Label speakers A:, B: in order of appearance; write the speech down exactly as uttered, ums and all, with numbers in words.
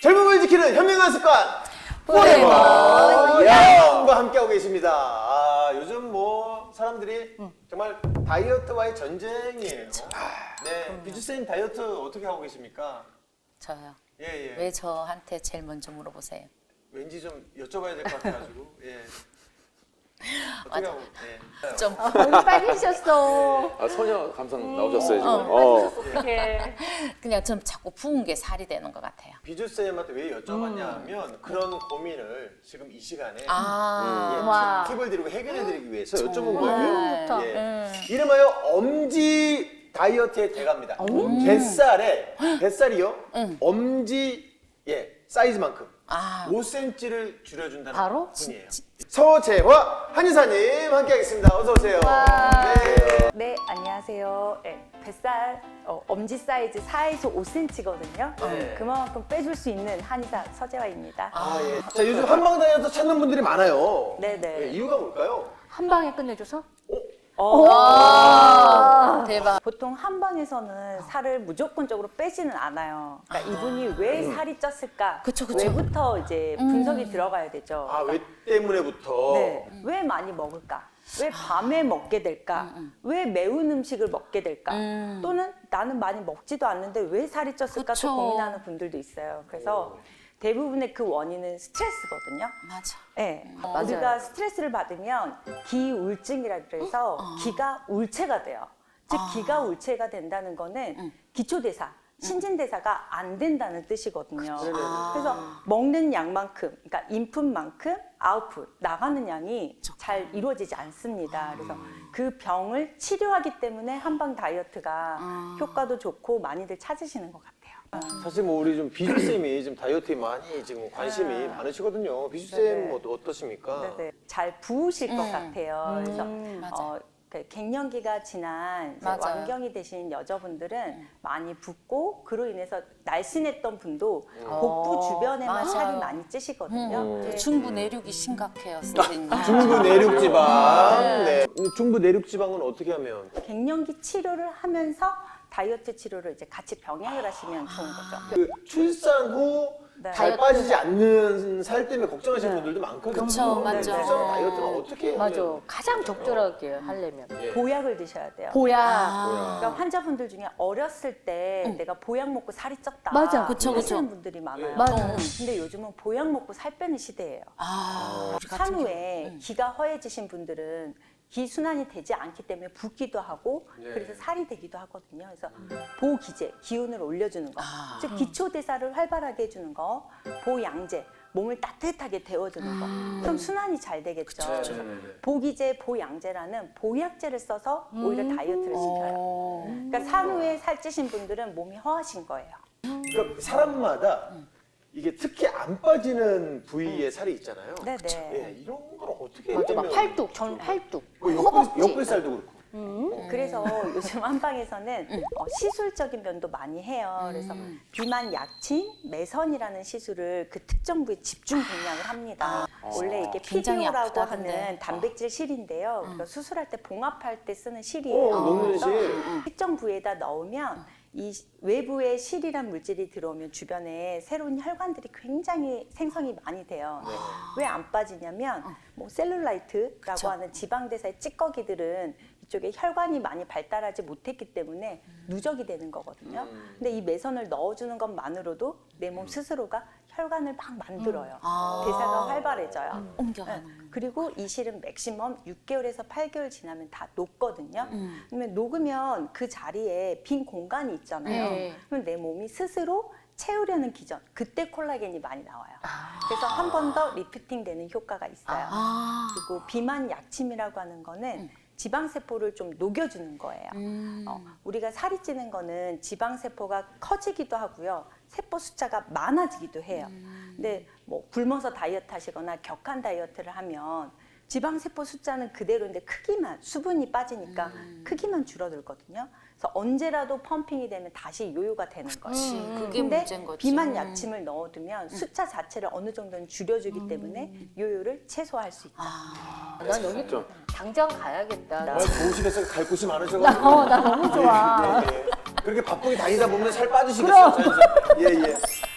A: 젊음을 지키는 현명한 습관
B: 포레버
A: 영과 함께하고 계십니다. 아, 요즘 뭐 사람들이 정말 다이어트와의 전쟁이에요. 네, 비주쌤 다이어트 어떻게 하고 계십니까?
B: 저요.
A: 예, 예.
B: 왜 저한테 제일 먼저 물어보세요?
A: 왠지 좀 여쭤봐야 될 것 같아가지고. 예. 어떻게 하고? 예.
B: 좀
C: 너무 빨개지셨어.
D: 아, 소녀 감성 나오셨어요 지금.
B: 어.
D: 어.
C: 어떡해.
B: 그냥 좀 자꾸 부은 게 살이 되는 것 같아요.
A: 비주쌤한테 왜 여쭤봤냐 하면 그런 고민을 지금 이 시간에
B: 아,
C: 와.
A: 팁을 드리고 해결해드리기 위해서 여쭤본
B: 정말.
A: 거예요.
C: 좋다.
A: 예.
B: 음.
A: 이름하여 엄지 다이어트의 대가입니다. 뱃살에 뱃살이요.
B: 음.
A: 엄지 예 사이즈만큼
B: 아.
A: 오 센티미터를 줄여준다는
C: 바로?
A: 분이에요. 서재화 한의사님 함께하겠습니다. 어서 오세요. 네.
E: 네, 안녕하세요. 네, 뱃살 어, 엄지 사이즈 사에서 오 센티미터거든요.
A: 네.
E: 그만큼 빼줄 수 있는 한의사 서재화입니다.
A: 아 예. 자 요즘 한방 다이어트 찾는 분들이 많아요.
E: 네네.
A: 예, 이유가 뭘까요?
C: 한 방에 끝내줘서?
B: 아, 대박.
E: 보통 한방에서는 살을 무조건적으로 빼지는 않아요. 그러니까 이분이 왜 살이 쪘을까?
B: 그쵸, 그쵸.
E: 왜부터 이제 분석이 들어가야 되죠.
A: 아 왜 때문에부터.
E: 네, 왜 많이 먹을까? 왜 밤에 먹게 될까? 왜 매운 음식을 먹게 될까?
B: 음.
E: 또는 나는 많이 먹지도 않는데 왜 살이 쪘을까?
B: 그쵸.
E: 또 고민하는 분들도 있어요. 그래서 대부분의 그 원인은 스트레스거든요.
B: 맞아.
E: 네,
C: 맞아요.
E: 우리가 스트레스를 받으면 기울증이라 그래서 기가 울체가 돼요. 즉
B: 아.
E: 기가 울체가 된다는 거는 기초대사, 신진대사가 안 된다는 뜻이거든요.
B: 아.
E: 그래서 먹는 양만큼, 그러니까 인풋만큼 아웃풋, 나가는 양이 잘 이루어지지 않습니다. 그래서 그 병을 치료하기 때문에 한방 다이어트가
B: 아.
E: 효과도 좋고 많이들 찾으시는 것 같아요.
A: 사실 뭐 우리 좀 비주쌤이 지금 다이어트에 많이 지금 관심이 많으시거든요. 비주쌤
E: 네네.
A: 뭐 어떠십니까?
E: 네네. 잘 부으실 것
B: 음.
E: 같아요. 그래서
B: 맞아.
E: 어, 그 갱년기가 지난 이제
B: 맞아요.
E: 완경이 되신 여자분들은 많이 붓고 그로 인해서 날씬했던 분도
A: 음.
E: 복부 주변에만
B: 맞아요.
E: 살이 많이 찌시거든요.
A: 음.
E: 네.
B: 중부 내륙이 심각해요, 선생님.
A: 중부 내륙지방. 네. 중부 내륙지방은 어떻게 하면?
E: 갱년기 치료를 하면서 다이어트 치료를 이제 같이 병행을 하시면 좋은 거죠.
A: 그 출산 후
E: 네.
A: 잘 빠지지 않는 살 때문에 걱정하시는 분들도 많거든요.
B: 그쵸,
A: 네,
B: 맞죠.
A: 출산 후 다이어트는 어떻게 하면?
C: 맞아. 가장 적절하게 하려면.
A: 예.
E: 보약을 드셔야 돼요.
C: 보약.
B: 아.
E: 그러니까 환자분들 중에 어렸을 때 내가 보약 먹고 살이 쪘다.
C: 맞아.
B: 그쵸, 그쵸.
E: 하시는 분들이 많아요.
C: 맞아요.
E: 근데 요즘은 보약 먹고 살 빼는 시대예요.
B: 아, 우리 같은
E: 산후에
B: 경우.
E: 기가 허해지신 분들은 기 순환이 되지 않기 때문에 붓기도 하고
A: 네.
E: 그래서 살이 되기도 하거든요. 그래서 보기제, 기운을 올려주는 거,
B: 아.
E: 즉 기초 대사를 활발하게 해주는 거, 보양제, 몸을 따뜻하게 데워주는 거, 그럼 순환이 잘 되겠죠. 그래서 보기제, 보양제라는 보약제를 써서 오히려 다이어트를 시켜요.
B: 어.
E: 그러니까 산후에 살찌신 분들은 몸이 허하신 거예요.
A: 그러니까 사람마다 이게 특히 안 빠지는 부위에 살이 있잖아요.
E: 네네.
A: 예, 이런 걸 어떻게
C: 맞아. 막
A: 빼면-
C: 팔뚝, 전 팔뚝.
A: 뭐
C: 허벅지.
A: 옆구리, 옆구리살도 그렇고.
E: 그래서 요즘 한방에서는 어, 시술적인 면도 많이 해요. 그래서 비만 약침, 매선이라는 시술을 그 특정 부위에 집중 공략을 합니다. 원래 이게
B: 굉장히
E: 피디오라고
B: 아프다던데.
E: 하는 단백질 실인데요. 그러니까 수술할 때 봉합할 때 쓰는 실이에요.
A: 어, 먹는
E: 그래서
A: 실.
E: 특정 부위에다 넣으면 이 외부에 실이란 물질이 들어오면 주변에 새로운 혈관들이 굉장히 생성이 많이 돼요. 왜 안 빠지냐면 뭐 셀룰라이트라고
B: 그쵸.
E: 하는 지방대사의 찌꺼기들은 이쪽에 혈관이 많이 발달하지 못했기 때문에 누적이 되는 거거든요. 근데 이 매선을 넣어주는 것만으로도 내 몸 스스로가 혈관을 막 만들어요.
B: 아.
E: 대사가 활발해져요.
B: 옮겨가는.
E: 네. 그리고 이 실은 맥시멈 육 개월에서 팔 개월 지나면 다 녹거든요.
B: 음.
E: 그러면 녹으면 그 자리에 빈 공간이 있잖아요.
C: 네.
E: 그럼 내 몸이 스스로 채우려는 기전, 그때 콜라겐이 많이 나와요. 그래서 한 번 더 리프팅 되는 효과가 있어요.
B: 아.
E: 그리고 비만 약침이라고 하는 거는 지방세포를 좀 녹여주는 거예요.
B: 음.
E: 어, 우리가 살이 찌는 거는 지방세포가 커지기도 하고요. 세포 숫자가 많아지기도 해요. 근데 뭐 굶어서 다이어트 하시거나 격한 다이어트를 하면 지방세포 숫자는 그대로인데 크기만, 수분이 빠지니까 크기만 줄어들거든요. 그래서 언제라도 펌핑이 되면 다시 요요가 되는 거예요.
B: 그치, 그게
E: 근데
B: 문제인 거지.
E: 비만
B: 음.
E: 약침을 넣어두면 숫자 자체를 어느 정도는 줄여주기 때문에 요요를 최소화할 수 있죠.
B: 아.
C: 난 여기
D: 진짜.
C: 당장 가야겠다.
A: 아, 좋으시겠어요. 갈 곳이 많으셔가지고.
C: 어, 나 너무 좋아.
A: 예, 예, 예. 그렇게 바쁘게 다니다 보면 살 빠지시겠어요. 자연스럽게. 예, 예.